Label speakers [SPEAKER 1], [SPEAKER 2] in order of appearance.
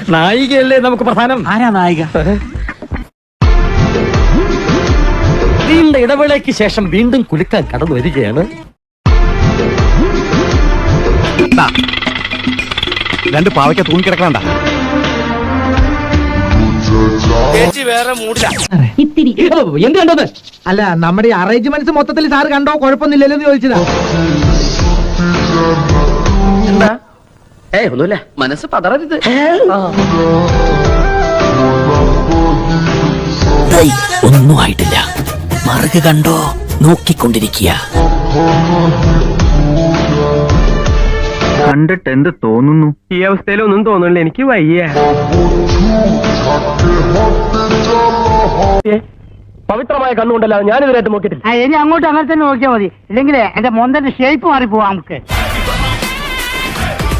[SPEAKER 1] നായികയല്ലേ നമുക്ക് പ്രധാനം.
[SPEAKER 2] ആരാ നായിക?
[SPEAKER 1] നീണ്ട ഇടവേളയ്ക്ക് ശേഷം വീണ്ടും കുലുക്കാൻ കടന്നു വരികയാണ്.
[SPEAKER 2] രണ്ട് പാവയ്ക്ക തൂങ്ങിക്കിടക്കണ്ട.
[SPEAKER 1] വേറെ മൂടില്ല.
[SPEAKER 3] ഇത്തിരി
[SPEAKER 1] എന്ത് കണ്ടത്?
[SPEAKER 4] അല്ല, നമ്മുടെ അറേഞ്ച്മെന്റ്സ് മൊത്തത്തിൽ സാർ കണ്ടോ? കുഴപ്പമൊന്നുമില്ലല്ലോ എന്ന് ചോദിച്ചതാ.
[SPEAKER 1] എന്താ? ഒന്നുമില്ല, മനസ്സ് പതറരുത്.
[SPEAKER 5] ഒന്നും ആയിട്ടില്ല. മറുക കണ്ടോ? നോക്കിക്കൊണ്ടിരിക്കുക.
[SPEAKER 2] കണ്ടിട്ട് എന്ത് തോന്നുന്നു? ഈ അവസ്ഥയിലൊന്നും തോന്നുന്നില്ല, എനിക്ക് വയ്യ.
[SPEAKER 1] പവിത്രമായ കണ്ണുകൊണ്ടല്ല ഞാനിതുവരായിട്ട് നോക്കിയിട്ടില്ല.
[SPEAKER 4] ഇനി അങ്ങോട്ട് അങ്ങനെ തന്നെ നോക്കിയാൽ മതി, ഇല്ലെങ്കിൽ എന്റെ മൊന്തന്റെ ഷേപ്പ് മാറിപ്പോവാ നമുക്ക്.